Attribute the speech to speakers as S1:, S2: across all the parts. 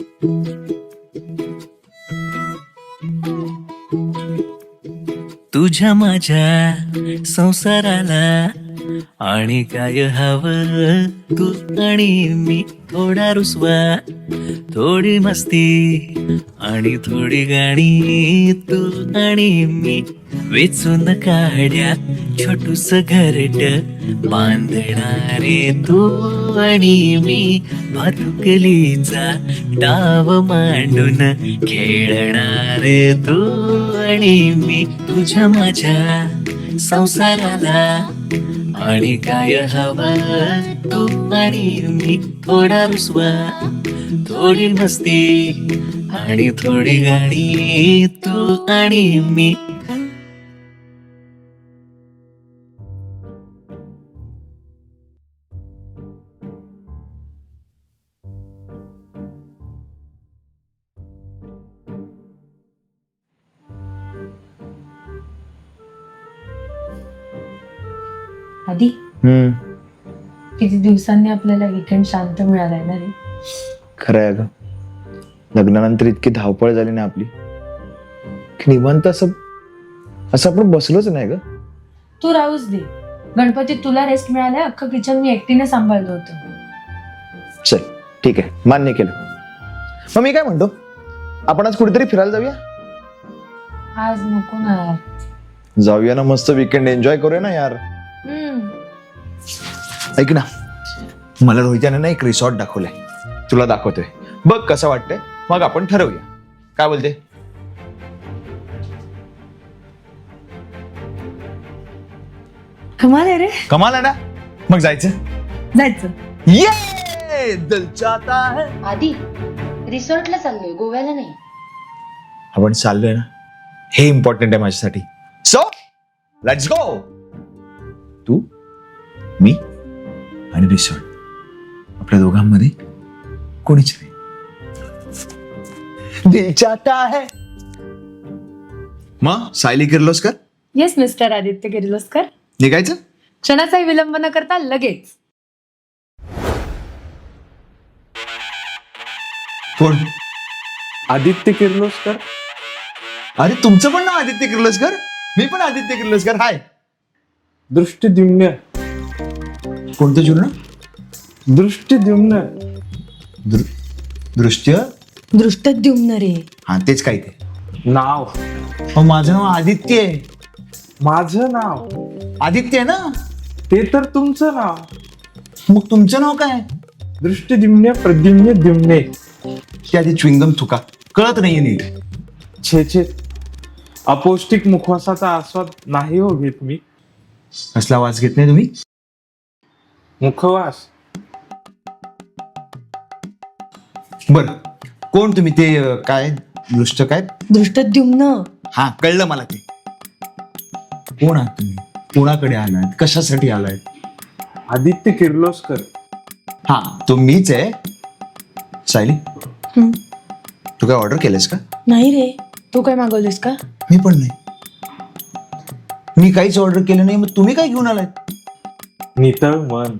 S1: तुझ्या माझ्या संसाराला आणि काय हवं, तू आणि मी थोडा रुसवा, थोडी मस्ती आणि थोडी गाणी, तू आणि मी वेचून काढ्या छोटूस घरट बांधणारे, तू आणि मी भातुकलीचा डाव मांडून खेळणारे, तू आणि मी तुझ्या माझ्या संसाराला आणि काय हवं, तू आणि मी थोडा रुसवा, थोडी मस्ती आणि थोडी गाणी, तू आणि मी.
S2: आधी किती दिवसांनी आपल्याला वीकेंड शांत मिळालाय ना रे.
S3: खरं आहे ग, लग्नानंतर इतकी धावपळ झाली ना आपली की निवांत असं आपण बसलोच नाही ग.
S2: तू राहूच दे, गणपतीत तुला रेस्ट मिळालाय, अख्खं किचन मी एकटीने सांभाळलं होतं.
S3: चल ठीक आहे, मान्य केलं. मग मी काय म्हणतो, आपण आज कुठेतरी फिरायला जाऊया.
S2: आज नको ना यार.
S3: जाऊया ना, मस्त वीकेंड एन्जॉय करूया ना यार. ऐक ना, मला रोहित्याने ना एक रिसॉर्ट दाखवलाय, तुला दाखवतोय, बघ कसं वाटतंय, मग आपण ठरवूया. काय बोलते?
S2: कमाल आहे रे.
S3: कमाल आहे ना, मग जायचं. ये दिल चाहता है.
S4: आधी रिसॉर्टला चाललोय, गोव्याला नाही.
S3: आपण चाललोय ना, हे इम्पॉर्टंट आहे माझ्यासाठी. So let's go. तू, मी आणि रिसॉर्ट, आपल्या दोघांमध्ये कोणीच नाही. दिल चाहता है. मग सायली किर्लोस्कर,
S2: येस मिस्टर आदित्य किर्लोस्कर.
S3: निघायचं.
S2: क्षणाचाही विलंब न करता लगेच.
S3: कोण?
S5: आदित्य किर्लोस्कर.
S3: अरे तुमचं पण नाव आदित्य किर्लोस्कर? मी पण आदित्य किर्लोस्कर. हाय.
S5: दृष्टिद्युम्न.
S3: कोणतं चूर्ण?
S5: दृष्टिद्युम्न.
S3: दृश्य
S2: दृष्टद्युम्न रे.
S3: हा तेच काय ते
S5: नाव.
S3: माझं नाव आदित्य आहे.
S5: माझं नाव
S3: आदित्य आहे ना.
S5: ते तर तुमचं नाव.
S3: मग तुमचं नाव काय?
S5: दृष्टिद्युम्न प्रद्युम्न द्युम्ने.
S3: की आधी च्विंगम थुका, कळत नाहीये नीट.
S5: छे छे, अपौष्टिक मुखवासाचा आस्वाद नाही हो घेत मी.
S3: कसला वास घेत नाही तुम्ही?
S5: मुखवास.
S3: बर, कोण तुम्ही? ते काय दृष्ट काय?
S2: दृष्टद्युम्न.
S3: हा कळलं मला ते. कोण आहात तुम्ही? कोणाकडे आलात? कशासाठी आलात?
S5: आदित्य किर्लोस्कर.
S3: हा तो मीच आहे. सायली, तू काय ऑर्डर केलंस का?
S2: नाही रे, तू काय मागवलीस का?
S3: मी पण नाही. मी काहीच ऑर्डर केलं नाही, मग तुम्ही काय घेऊन आलात?
S5: नितळ मन.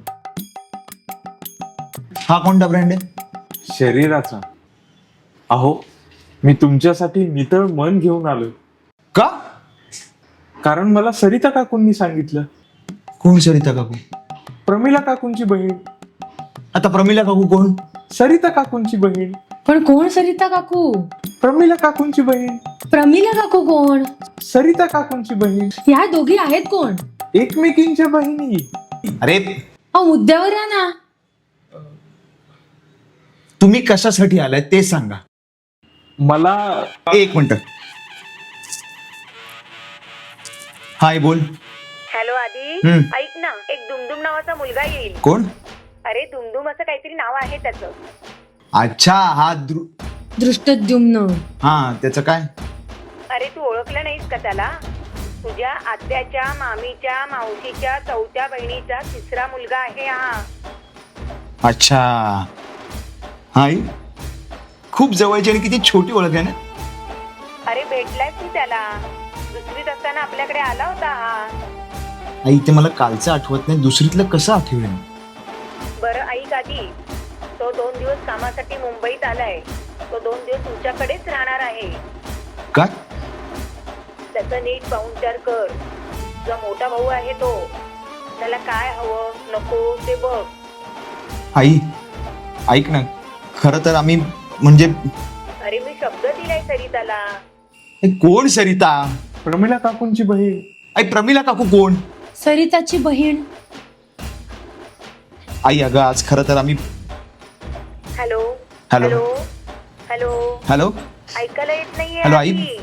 S3: हा कोणता ब्रँड आहे?
S5: शरीराचा. अहो, मी तुमच्यासाठी नितळ मन घेऊन आलोय.
S3: का?
S5: कारण मला सरिता काकूंनी सांगितलं.
S3: कोण सरिता काकू?
S5: प्रमिला काकूंची बहीण.
S3: आता प्रमिला काकू कोण?
S5: सरिता काकूंची बहीण.
S2: पण कोण सरिता काकू?
S5: प्रमिला काकूंची बहीण.
S2: प्रमिला काकू कोण?
S5: सरिता काकूंची बहीण.
S2: ह्या दोघी आहेत कोण?
S5: एकमेकींच्या बहिणी.
S3: अरे
S2: अहो मुद्द्यावर या ना.
S3: तुम्ही कशासाठी आलाय ते सांगा.
S5: मला
S3: एक मिनिट. हाय बोल.
S6: हॅलो आदी, ऐक ना, एक दुमदुम नावाचा मुलगा येईल.
S3: कोण?
S6: अरे दुमदुम असं काहीतरी नाव आहे त्याचं.
S3: अच्छा, हा
S2: दृष्टद्युम्न.
S3: हा त्याचं काय?
S6: अरे तू ओळखलं नाहीस का त्याला? तुझ्या आत्याच्या, मामीच्या, मावशीच्या, चौथ्या बहिणीचा तिसरा मुलगा आहे हा.
S3: अच्छा. हाय, खूप जवळची आणि किती छोटी ओळख आहे ना.
S6: अरे भेटलायस तू त्याला? दुसरीत असताना आपल्याकडे आला होता हा.
S3: आई ते मला कालचं आठवत नाही, दुसरीतलं कसं आठवेल?
S6: बरं ऐक आधी, तो 2 दिवस कामासाठी मुंबईत आलाय. तो 2 दिवस तुमच्याकडेच राहणार आहे.
S3: का?
S6: त्याचं नीट पाहुणचार कर. जो मोठा भाऊ आहे तो, त्याला काय हवं नको ते बघ.
S3: आई ऐक ना, खरं तर आम्ही म्हणजे
S6: अरे मी शब्द दिलाय सरिताला.
S3: कोण सरिता?
S5: प्रमिला काकूंची बहीण.
S3: आई प्रमिला काकू कोण?
S2: सरिताची बहीण.
S3: आई अगं आज खरं तर आम्ही
S6: hello
S3: hello.
S6: Hello hello
S3: hello
S6: ऐकायला येत नाहीये.
S3: हॅलो, आई.
S6: आधी.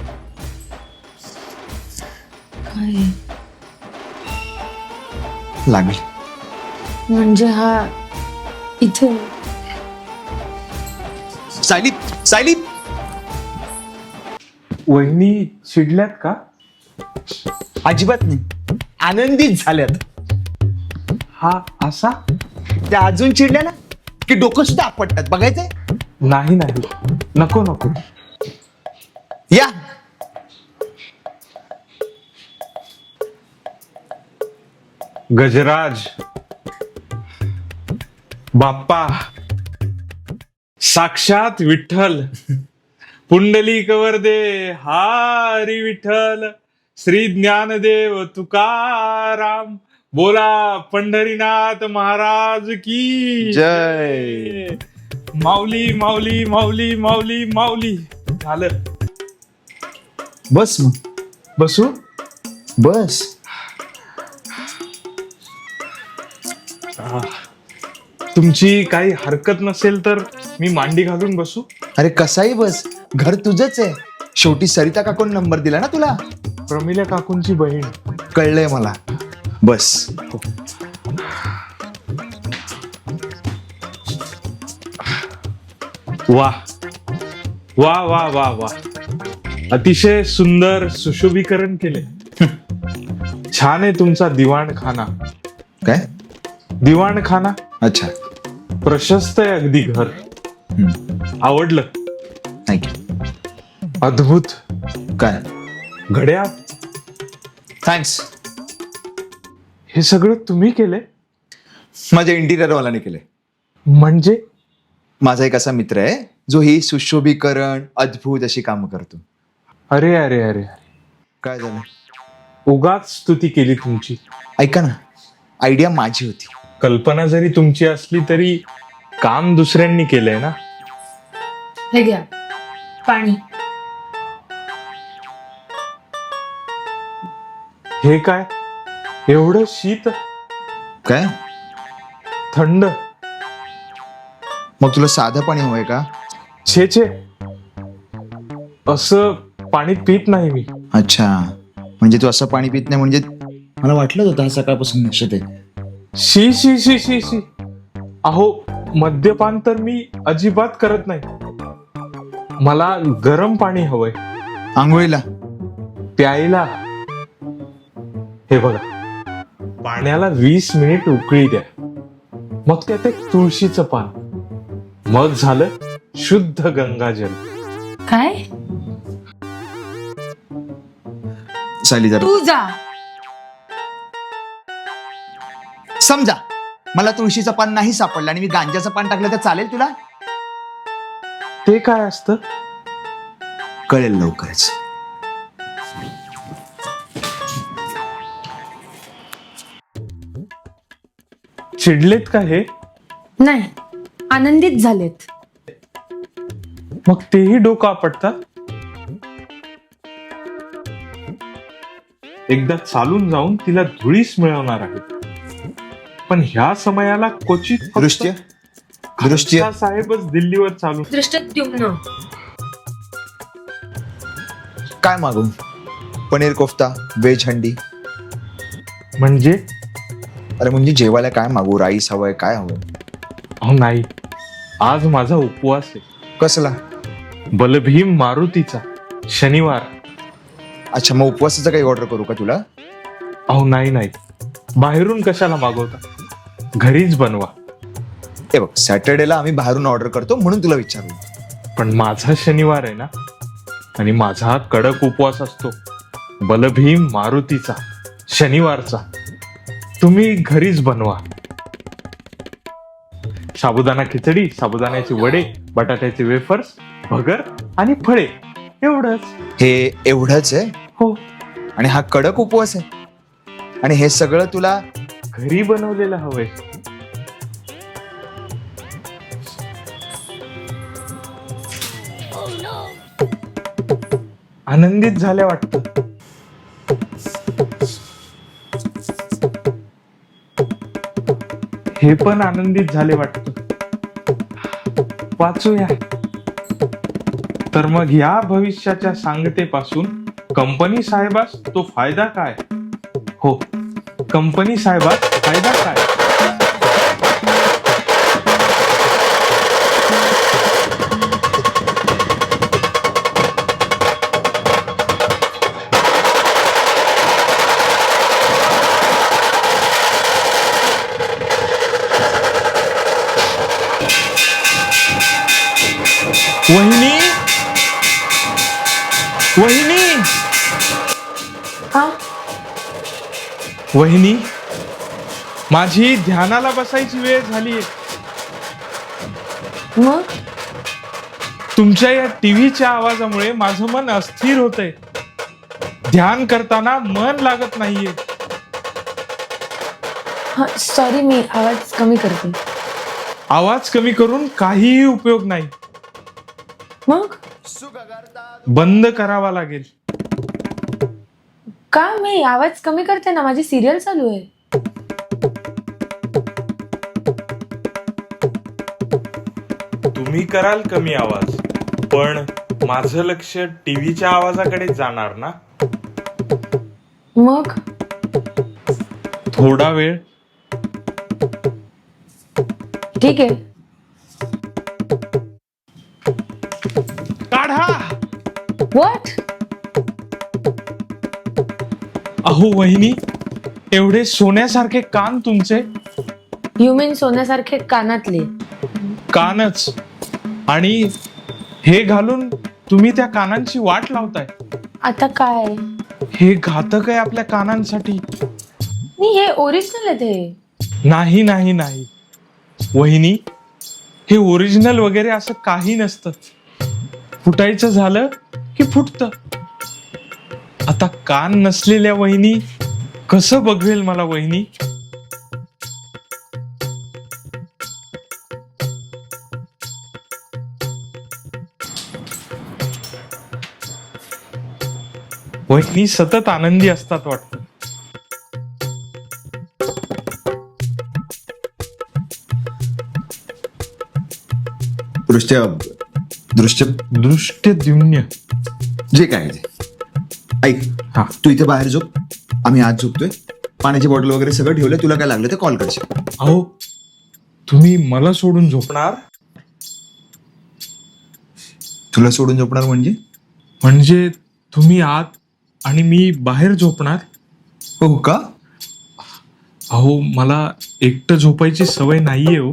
S2: काय
S3: लागेल.
S2: म्हणजे हा इथे
S3: सायली सायली
S5: वहिनी चिडल्यात का?
S3: अजिबात नाही, आनंदित झाल्यात.
S5: हा असा?
S3: त्या अजून चिडल्या ना की डोकं सुद्धा आपटतात. बघायचंय?
S5: नाही नाही, नको नको.
S3: या
S5: गजराज बाप्पा, साक्षात विठ्ठल, पुंडलिक वरदे हरी विठ्ठल, श्री ज्ञानदेव तुकाराम, बोला पंढरीनाथ महाराज की
S3: जय.
S5: माऊली माऊली माऊली माऊली माऊली. झालं.
S3: बस मग,
S5: बसू?
S3: बस.
S5: तुमची काही हरकत नसेल तर मी मांडी घालून बसू?
S3: अरे कसाही बस, घर तुझंच आहे. शेवटी सरिता काकून नंबर दिला ना तुला.
S5: प्रमिला काकूंची बहीण.
S3: कळलंय मला. बस.
S5: वा वा वा वा वा, अतिशय सुंदर सुशोभीकरण केले. छान आहे तुमचा दिवाणखाना.
S3: काय?
S5: दिवाणखाना
S3: अच्छा.
S5: प्रशस्त आहे अगदी घर. आवडलं.
S3: थँक्यू.
S5: अद्भुत.
S3: काय?
S5: घड्याळ.
S3: थँक्स.
S5: हे सगळं तुम्ही केले?
S3: माझ्या इंटिरियर वाल्याने केले.
S5: म्हणजे?
S3: माझा एक असा मित्र आहे जो ही सुशोभीकरण अद्भुत अशी कामं करतो.
S5: अरे अरे अरे,
S3: काय झालं?
S5: उगाच स्तुती केली तुमची.
S3: ऐका ना, आयडिया माझी होती.
S5: कल्पना जरी तुमची असली तरी काम दुसऱ्यांनी केलंय ना.
S2: हे घ्या पाणी.
S5: हे काय एवढं शीत?
S3: काय?
S5: थंड?
S3: मग तुला साधं पाणी हवंय का?
S5: छे छे, असं पाणी पित नाही मी.
S3: अच्छा, म्हणजे तू असं पाणी पित नाही. म्हणजे मला वाटलं होतं हा सकाळपासून नशेत आहे.
S5: शी शी शी शी शी. अहो, मद्यपान तर मी अजिबात करत नाही. मला गरम पाणी हवंय
S3: आंघोळीला.
S5: प्यायला. हे बघा, पाण्याला 20 मिनिट उकळी द्या, मग त्यात एक तुळशीचं पान, मग झालं शुद्ध गंगाजल.
S2: काय?
S3: सायली जरा
S2: तू जा.
S3: समजा मला तुळशीचं पान नाही सापडलं आणि मी गांजाचं पान टाकलं तर चालेल तुला?
S5: ते काय असतं?
S3: कळेल लवकरच.
S5: चिडलेत का हे?
S2: नाही, आनंदित झालेत.
S5: मग तेही डोकं आपटतात. एकदा चालून जाऊन तिला धुळीस मिळवणार आहे, पण ह्या समयाला क्वचित फक्त
S3: दृष्ट्य दृष्ट्य
S5: खालसा साहेबच दिल्लीवर चालू.
S2: दृष्टद्युम्न.
S3: काय मागू? पनीर कोफ्ता, व्हेज हंडी.
S5: म्हणजे?
S3: अरे म्हणजे जेवायला काय मागू? राईस हवंय, काय हवंय?
S5: अहो नाही, आज माझा उपवास आहे.
S3: कसला?
S5: बलभीम मारुतीचा, शनिवार.
S3: अच्छा, मग उपवासाचं काही ऑर्डर करू का तुला?
S5: अहो नाही नाही, बाहेरून कशाला मागवता, घरीच बनवा.
S3: हे बघ, सॅटर्डेला आम्ही बाहेरून ऑर्डर करतो म्हणून तुला विचारलं.
S5: पण माझा शनिवार आहे ना, आणि माझा कडक उपवास असतो, बलभीम मारुतीचा, शनिवारचा. तुम्ही घरीच बनवा. साबुदाणा खिचडी, साबुदाण्याचे वडे, बटाट्याचे वेफर्स, भगर आणि फळे एवढंच.
S3: हे एवढंच आहे?
S5: हो,
S3: आणि हा कडक उपवास आहे? आणि हे सगळं तुला
S5: घरी बनवलेलं हवंय. आनंदित झाल्या वाटतं. हे पण आनंदित झाले वाटतं. वाचूया. तर मग या भविष्याच्या सांगतेपासून कंपनी साहेबास तो फायदा काय? हो, कंपनी साहेबास फायदा काय? वहिनी, वहिनी,
S2: हा
S5: वहिनी, माझी ध्यानाला बसायची वेळ झालीये.
S2: मग
S5: तुमच्या या टीव्हीच्या आवाजामुळे माझं मन अस्थिर होतंय. ध्यान करताना मन लागत नाहीये.
S2: हा सॉरी, मी आवाज कमी करते.
S5: आवाज कमी करून काहीही उपयोग नाही.
S2: मग
S5: बंद करावा लागेल.
S2: का? मी आवाज कमी करते ना, माझी सिरियल चालू आहे.
S5: तुम्ही कराल कमी आवाज, पण माझं लक्ष टीव्हीच्या आवाजाकडे जाणार ना.
S2: मग
S5: थोडा वेळ.
S2: ठीक आहे.
S5: काढा.
S2: व्हॉट?
S5: अहो वहिनी, एवढे सोन्यासारखे कान तुमचे.
S2: यू मीन सोन्यासारखे कानातले?
S5: कानच. आणि हे घालून तुम्ही त्या कानांची वाट लावताय.
S2: आता काय?
S5: हे घातक आहे आपल्या कानांसाठी.
S2: नाही, हे ओरिजिनल आहे ते.
S5: नाही नाही नाही वहिनी, हे ओरिजिनल वगैरे असं काही नसतं. फुटायचं झालं की फुटतं. आता कान नसलेल्या वहिनी कसं बघवेल मला वहिनी? वहिनी सतत आनंदी असतात वाटतं.
S3: दृष्ट्य दृश्य
S5: दृष्टद्युम्न.
S3: जे काय आहे ते ऐक.
S5: हा.
S3: तू इथे बाहेर झोप, आम्ही आज झोपतोय. पाण्याची बॉटल वगैरे सगळं ठेवलंय. तुला काय लागलं ते कॉल करशील.
S5: अहो, तुम्ही मला सोडून झोपणार?
S3: तुला सोडून झोपणार म्हणजे?
S5: म्हणजे तुम्ही आत आणि मी बाहेर झोपणार?
S3: हो का?
S5: अहो, मला एकटं झोपायची सवय नाहीये हो.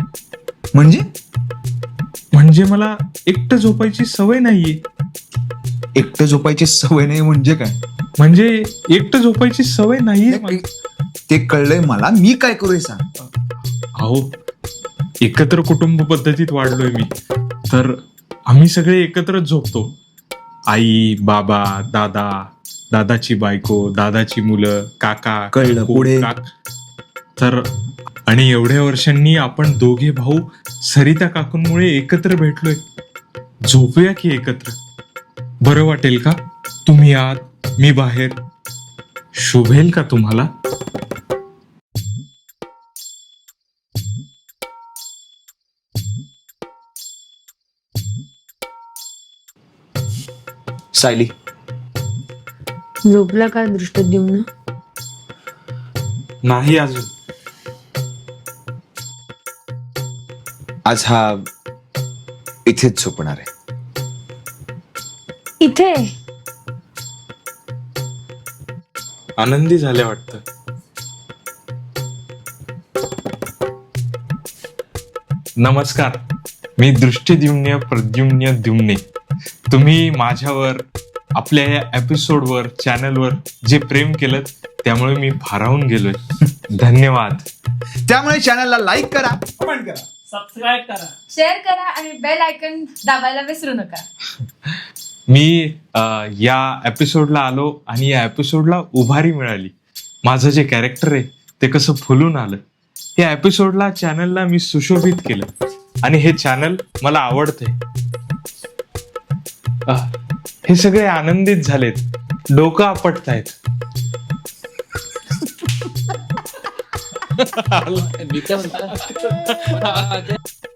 S5: म्हणजे मला एकटं झोपायची सवय नाहीये.
S3: एकटं झोपायची सवय नाही म्हणजे काय?
S5: म्हणजे एकटं झोपायची सवय नाहीये मला.
S3: ते कळलंय मला. मी काय करू हे सांग.
S5: अहो, एकत्र कुटुंब पद्धतीत वाढलोय मी. तर आम्ही सगळे एकत्रच झोपतो. आई, बाबा, दादा, दादाची बायको, दादाची मुलं, काका,
S3: कळलं.
S5: काकू,
S3: पुढे?
S5: तर आणि एवढ्या वर्षांनी आपण दोघे भाऊ सरिता काकूंमुळे एकत्र भेटलोय. झोपूया की एकत्र? बरं वाटेल का? तुम्ही आत, मी बाहेर. शोभेल का तुम्हाला?
S3: सायली,
S2: झोपला का दृष्टद्युम्न?
S5: नाही अजून.
S3: आज हा इथेच झोपणार आहे.
S2: इथे?
S5: आनंदी झाले वाटतं. नमस्कार, मी दृष्टिद्युम्न प्रद्युम्न द्युम्ने. तुम्ही माझ्यावर, आपल्या या एपिसोडवर, चॅनलवर जे प्रेम केलं त्यामुळे मी भारावून गेलोय. धन्यवाद.
S3: त्यामुळे चॅनलला लाईक करा,
S7: कमेंट करा, सबस्क्राईब करा.
S2: शेअर करा आणि बेल आयकन दाबायला विसरू नका.
S5: मी या एपिसोडला आलो आणि या एपिसोडला उभारी मिळाली. माझं जे कॅरेक्टर आहे ते कसं फुलून आलं. या एपिसोडला चॅनलला मी सुशोभित केलं आणि हे चॅनल मला आवडतंय. हे सगळे आनंदित झालेत, डोकं आपटतायत.
S7: मी काय म्हणतो